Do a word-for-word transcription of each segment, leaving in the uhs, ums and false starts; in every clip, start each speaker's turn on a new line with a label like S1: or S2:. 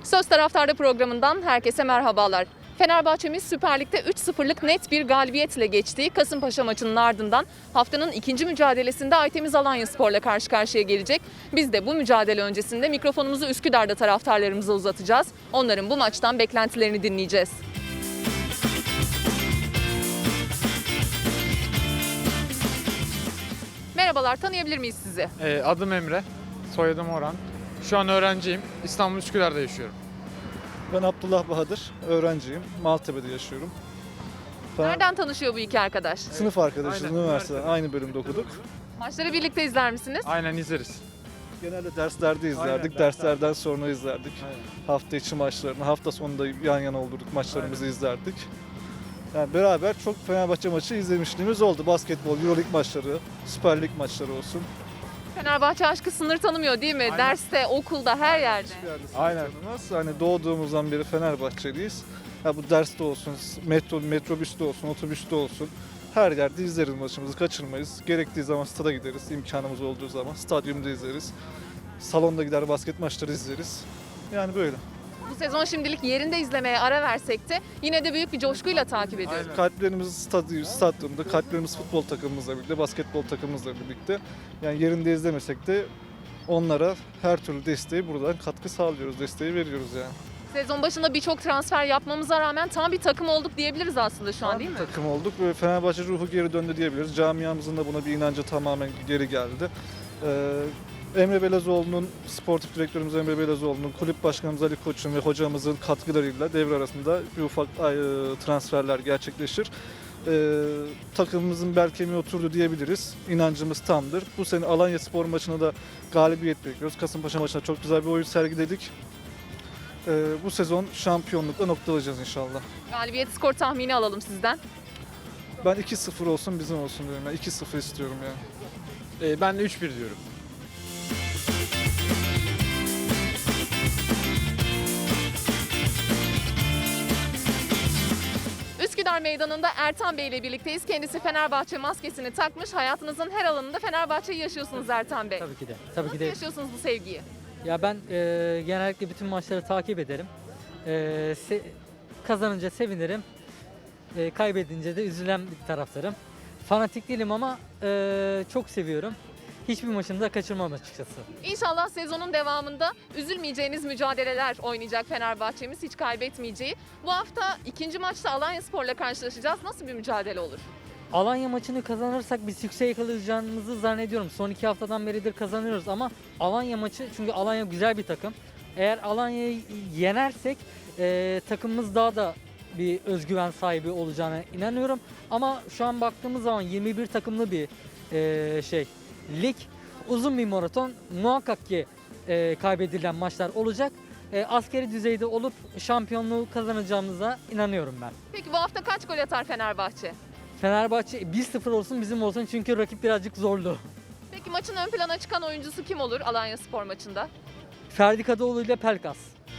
S1: Söz Taraftarı programından herkese merhabalar. Fenerbahçe'miz Süper Lig'de üç sıfırlık net bir galibiyetle geçtiği Kasımpaşa maçının ardından haftanın ikinci mücadelesinde Aytemiz Alanyaspor'la karşı karşıya gelecek. Biz de bu mücadele öncesinde mikrofonumuzu Üsküdar'da taraftarlarımıza uzatacağız. Onların bu maçtan beklentilerini dinleyeceğiz. Merhabalar, tanıyabilir miyiz sizi?
S2: E, adım Emre, soyadım Orhan. Şu an öğrenciyim. İstanbul Üsküdar'da yaşıyorum.
S3: Ben Abdullah Bahadır, öğrenciyim. Maltepe'de yaşıyorum. Fener-
S1: Nereden tanışıyor bu iki arkadaş?
S3: Sınıf arkadaşız,
S2: Aynen,
S3: üniversitede
S2: üniversitede.
S3: aynı bölümde okuduk.
S1: Maçları birlikte izler misiniz?
S2: Aynen izleriz.
S3: Genelde derslerde izlerdik,
S2: Aynen,
S3: derslerden sonra izlerdik.
S2: Aynen.
S3: Hafta içi maçlarını, hafta sonunda yan yana olurduk, maçlarımızı izlerdik. Yani beraber çok Fenerbahçe maçı izlemişliğimiz oldu. Basketbol, Euroleague maçları, Süper Lig maçları olsun.
S1: Fenerbahçe aşkı sınır tanımıyor değil mi?
S2: Aynen.
S1: Derste, okulda, her yerde.
S3: Hiçbir yerde
S2: Aynen.
S3: sınırlanmaz. Hani doğduğumuzdan beri Fenerbahçeliyiz. Ya bu derste olsun, metro, metrobüste olsun, otobüste olsun. Her yerde izleriz maçımızı, kaçırmayız. Gerektiği zaman stada gideriz, imkanımız olduğu zaman. Stadyumda izleriz. Salonda gider basket maçları izleriz. Yani böyle.
S1: Bu sezon şimdilik yerinde izlemeye ara versek de yine de büyük bir coşkuyla takip ediyoruz.
S2: Aynen.
S3: Kalplerimiz stadyum, stadyumda, kalplerimiz futbol takımımızla birlikte, basketbol takımımızla birlikte. Yani yerinde izlemesek de onlara her türlü desteği buradan katkı sağlıyoruz, desteği veriyoruz yani.
S1: Sezon başında birçok transfer yapmamıza rağmen tam bir takım olduk diyebiliriz aslında şu an değil mi?
S3: Takım olduk ve Fenerbahçe ruhu geri döndü diyebiliriz. Camiamızın da buna bir inancı tamamen geri geldi. Ee, Emre Belezoğlu'nun, sportif direktörümüz Emre Belezoğlu'nun, kulüp başkanımız Ali Koç'un ve hocamızın katkılarıyla devre arasında bir ufak e, transferler gerçekleşir. Ee, takımımızın bel kemiği oturdu diyebiliriz. İnancımız tamdır. Bu sene Alanyaspor maçına da galibiyet bekliyoruz. Kasımpaşa maçında çok güzel bir oyun sergiledik. Ee, bu sezon şampiyonlukla noktalayacağız inşallah.
S1: Galibiyet skor tahmini alalım sizden.
S3: Ben iki sıfır olsun bizim olsun diyorum. Yani iki sıfır istiyorum yani.
S2: E, ben de üç bir diyorum.
S1: Üsküdar Meydanı'nda Ertan Bey ile birlikteyiz. Kendisi Fenerbahçe maskesini takmış. Hayatınızın her alanında Fenerbahçe'yi yaşıyorsunuz Ertan Bey.
S4: Tabii ki de. Tabii
S1: Nasıl
S4: ki de.
S1: yaşıyorsunuz bu sevgiyi?
S4: Ya ben e, genellikle bütün maçları takip ederim. E, se- kazanınca sevinirim. E, kaybedince de üzülen bir taraftarım. Fanatik değilim ama e, çok seviyorum. Hiçbir maçını da kaçırmam açıkçası.
S1: İnşallah sezonun devamında üzülmeyeceğiniz mücadeleler oynayacak Fenerbahçe'miz, hiç kaybetmeyeceği. Bu hafta ikinci maçta Alanyaspor'la karşılaşacağız. Nasıl bir mücadele olur?
S4: Alanya maçını kazanırsak biz yüksek yakalayacağımızı zannediyorum. Son iki haftadan beridir kazanıyoruz ama Alanya maçı, çünkü Alanya güzel bir takım. Eğer Alanya'yı yenersek e, takımımız daha da bir özgüven sahibi olacağına inanıyorum. Ama şu an baktığımız zaman yirmi bir takımlı bir e, şey lig, uzun bir maraton, muhakkak ki e, kaybedilen maçlar olacak. E, askeri düzeyde olup şampiyonluğu kazanacağımıza inanıyorum ben.
S1: Peki bu hafta kaç gol atar Fenerbahçe?
S4: Fenerbahçe bir sıfır olsun bizim olsun, çünkü rakip birazcık zorlu.
S1: Peki maçın ön plana çıkan oyuncusu kim olur Alanyaspor maçında?
S4: Ferdi Kadıoğlu ile Pelkas.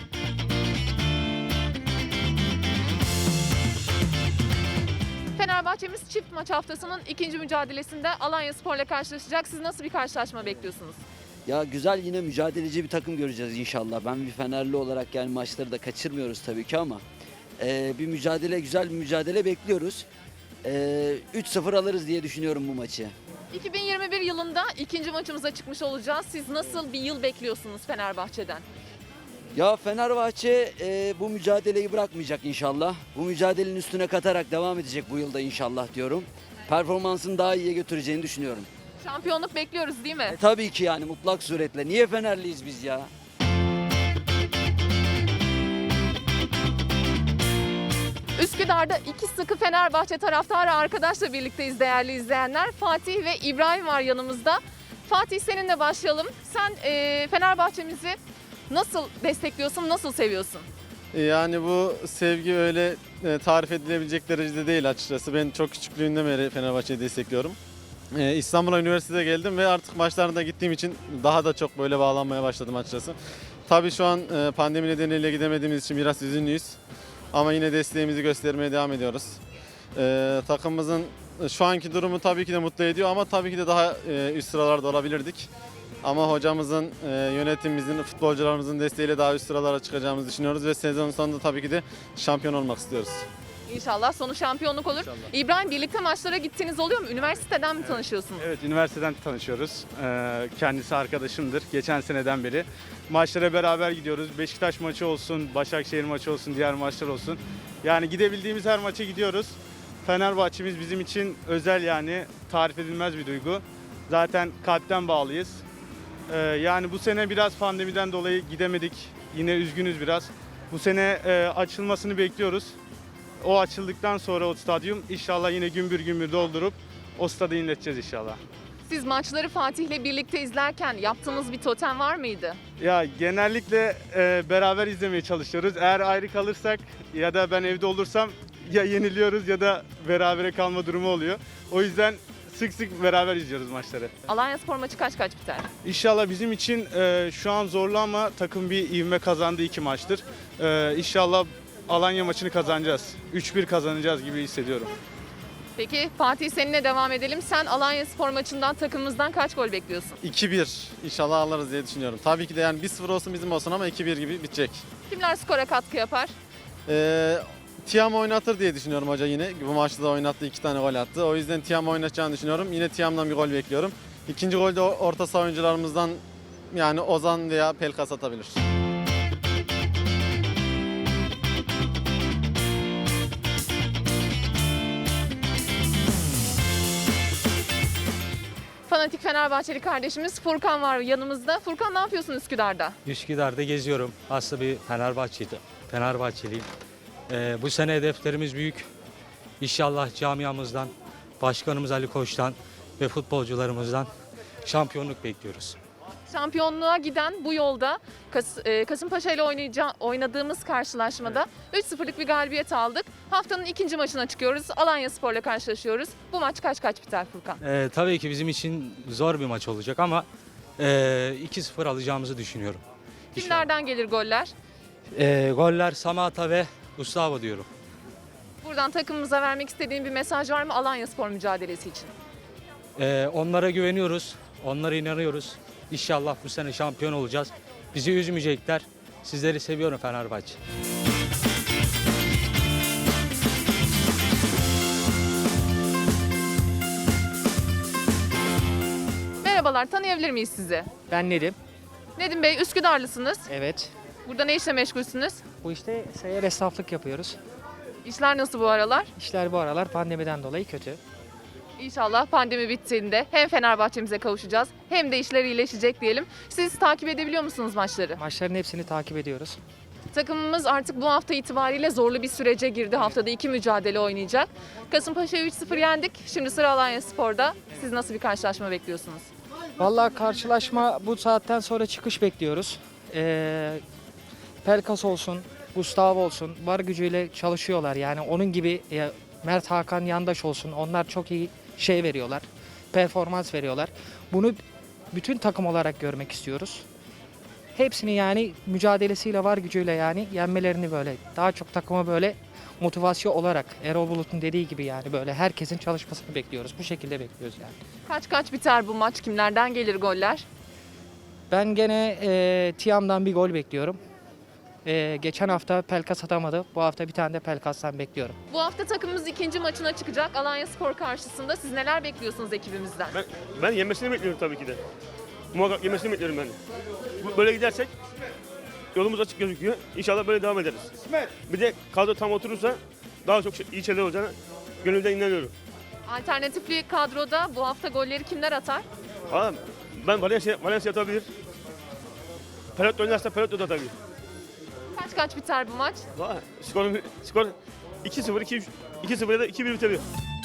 S1: Fenerbahçe'miz çift maç haftasının ikinci mücadelesinde Alanyaspor'la karşılaşacak. Siz nasıl bir karşılaşma bekliyorsunuz?
S5: Ya güzel, yine mücadeleci bir takım göreceğiz inşallah. Ben bir Fenerli olarak yani maçları da kaçırmıyoruz tabii ki ama e, bir mücadele, güzel bir mücadele bekliyoruz. E, üç sıfır alırız diye düşünüyorum bu maçı.
S1: iki bin yirmi bir yılında ikinci maçımıza çıkmış olacağız. Siz nasıl bir yıl bekliyorsunuz Fenerbahçe'den?
S5: Ya Fenerbahçe e, bu mücadeleyi bırakmayacak inşallah. Bu mücadelenin üstüne katarak devam edecek bu yılda inşallah diyorum. Performansını daha iyiye götüreceğini düşünüyorum.
S1: Şampiyonluk bekliyoruz değil mi?
S5: E, tabii ki yani mutlak suretle. Niye Fenerliyiz biz ya?
S1: Üsküdar'da iki sıkı Fenerbahçe taraftarı arkadaşla birlikteyiz değerli izleyenler. Fatih ve İbrahim var yanımızda. Fatih, seninle başlayalım. Sen e, Fenerbahçe'mizi nasıl destekliyorsun, nasıl seviyorsun?
S6: Yani bu sevgi öyle e, tarif edilebilecek derecede değil açıkçası. Ben çok küçüklüğümden beri Fenerbahçe'yi destekliyorum. E, İstanbul'a üniversitede geldim ve artık maçlarına gittiğim için daha da çok böyle bağlanmaya başladım açıkçası. Tabii şu an e, pandemi nedeniyle gidemediğimiz için biraz üzünlüyüz. Ama yine desteğimizi göstermeye devam ediyoruz. E, takımımızın şu anki durumu tabii ki de mutlu ediyor ama tabii ki de daha e, üst sıralarda olabilirdik. Ama hocamızın, e, yönetimimizin, futbolcularımızın desteğiyle daha üst sıralara çıkacağımızı düşünüyoruz ve sezon sonunda tabii ki de şampiyon olmak istiyoruz.
S1: İnşallah sonu şampiyonluk olur.
S6: İnşallah.
S1: İbrahim, birlikte maçlara gittiğiniz oluyor mu? Üniversiteden mi tanışıyorsunuz?
S7: Evet, üniversiteden tanışıyoruz. Ee, kendisi arkadaşımdır geçen seneden beri. Maçlara beraber gidiyoruz. Beşiktaş maçı olsun, Başakşehir maçı olsun, diğer maçlar olsun. Yani gidebildiğimiz her maça gidiyoruz. Fenerbahçe'miz bizim için özel, yani tarif edilmez bir duygu. Zaten kalpten bağlıyız. Ee, yani bu sene biraz pandemiden dolayı gidemedik. Yine üzgünüz biraz. Bu sene e, açılmasını bekliyoruz. O açıldıktan sonra o stadyum inşallah yine gümbür gümbür doldurup o stadı inleteceğiz inşallah.
S1: Siz maçları Fatih'le birlikte izlerken yaptığınız bir totem var mıydı?
S7: Ya genellikle e, beraber izlemeye çalışıyoruz. Eğer ayrı kalırsak ya da ben evde olursam ya yeniliyoruz ya da berabere kalma durumu oluyor. O yüzden sık sık beraber izliyoruz maçları.
S1: Alanyaspor maçı kaç kaç biter?
S7: İnşallah bizim için e, şu an zorlu ama takım bir ivme kazandı iki maçtır. E, İnşallah Alanya maçını kazanacağız. üç bir kazanacağız gibi hissediyorum.
S1: Peki Fatih, seninle devam edelim. Sen Alanyaspor maçından, takımımızdan kaç gol bekliyorsun?
S6: iki bir inşallah alırız diye düşünüyorum. Tabii ki de yani bir sıfır olsun bizim olsun ama iki bir gibi bitecek.
S1: Kimler skora katkı yapar?
S6: Ee, Tiam oynatır diye düşünüyorum hoca yine. Bu maçta da oynattı, iki tane gol attı. O yüzden Tiam oynatacağını düşünüyorum. Yine Tiam'dan bir gol bekliyorum. İkinci golde orta saha oyuncularımızdan yani Ozan veya Pelkas atabilir.
S1: Fanatik Fenerbahçeli kardeşimiz Furkan var yanımızda. Furkan, ne yapıyorsun Üsküdar'da?
S8: Üsküdar'da geziyorum. Aslında bir Fenerbahçeli, Fenerbahçeliyim. Ee, bu sene hedeflerimiz büyük. İnşallah camiamızdan, başkanımız Ali Koç'tan ve futbolcularımızdan şampiyonluk bekliyoruz.
S1: Şampiyonluğa giden bu yolda Kas e, Kasımpaşa ile oynayaca- oynadığımız karşılaşmada üç sıfırlık bir galibiyet aldık. Haftanın ikinci maçına çıkıyoruz. Alanyaspor'la karşılaşıyoruz. Bu maç kaç kaç biter Furkan?
S8: Ee, tabii ki bizim için zor bir maç olacak ama e, iki sıfır alacağımızı düşünüyorum.
S1: Kimlerden gelir goller?
S8: Ee, goller Samata ve Gustavo diyorum.
S1: Buradan takımımıza vermek istediğin bir mesaj var mı Alanyaspor mücadelesi için?
S8: Ee, onlara güveniyoruz, onlara inanıyoruz. İnşallah bu sene şampiyon olacağız. Bizi üzmeyecekler. Sizleri seviyorum Fenerbahçe.
S1: Merhabalar, tanıyabilir miyiz sizi?
S9: Ben Nedim.
S1: Nedim Bey, Üsküdarlısınız.
S9: Evet.
S1: Burada ne işle meşgulsünüz?
S9: Bu işte seyyar esnaflık yapıyoruz.
S1: İşler nasıl bu aralar?
S9: İşler bu aralar pandemiden dolayı kötü.
S1: İnşallah pandemi bittiğinde hem Fenerbahçe'mize kavuşacağız hem de işler iyileşecek diyelim. Siz takip edebiliyor musunuz maçları?
S9: Maçların hepsini takip ediyoruz.
S1: Takımımız artık bu hafta itibariyle zorlu bir sürece girdi. Haftada iki mücadele oynayacak. Kasımpaşa'yı üç sıfır yendik. Şimdi sıra Alanyaspor'da. Siz nasıl bir karşılaşma bekliyorsunuz?
S9: Vallahi karşılaşma bu saatten sonra çıkış bekliyoruz. Ee, Pelkas olsun, Gustavo olsun var gücüyle çalışıyorlar. Yani onun gibi e, Mert Hakan Yandaş olsun. Onlar çok iyi şey veriyorlar. Performans veriyorlar. Bunu bütün takım olarak görmek istiyoruz. Hepsini yani mücadelesiyle var gücüyle yani yenmelerini böyle daha çok takıma böyle motivasyon olarak Erol Bulut'un dediği gibi yani böyle herkesin çalışmasını bekliyoruz. Bu şekilde bekliyoruz yani.
S1: Kaç kaç biter bu maç? Kimlerden gelir goller?
S9: Ben gene e, Tiam'dan bir gol bekliyorum. E, geçen hafta Pelkas atamadı. Bu hafta bir tane de Pelkas'tan bekliyorum.
S1: Bu hafta takımımız ikinci maçına çıkacak Alanyaspor karşısında. Siz neler bekliyorsunuz ekibimizden?
S10: Ben, ben yemesini bekliyorum tabii ki de. Muhakkak yemesini bekliyorum ben. Bu- Böyle gidersek yolumuz açık gözüküyor. İnşallah böyle devam ederiz. Bir de kadro tam oturursa daha çok şey- iyi şeyler olacağına gönülden inanıyorum.
S1: Alternatifli kadroda bu hafta golleri kimler atar?
S10: Ama ben Valencia, Valencia atabilir. Perot oynarsa Perot da atabilir.
S1: Kaç kaç biter bu maç?
S10: Valla skor, skor iki sıfır, iki üç, iki sıfır ya da iki bir bitebilir.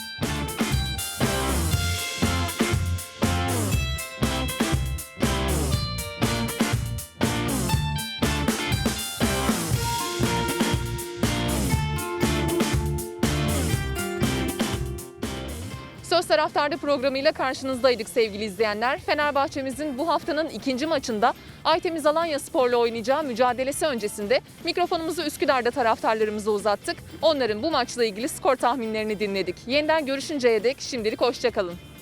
S1: Söz Taraftar'da programıyla karşınızdaydık sevgili izleyenler. Fenerbahçe'mizin bu haftanın ikinci maçında Aytemiz Alanyaspor'la oynayacağı mücadelesi öncesinde mikrofonumuzu Üsküdar'da taraftarlarımıza uzattık. Onların bu maçla ilgili skor tahminlerini dinledik. Yeniden görüşünceye dek şimdilik hoşça kalın.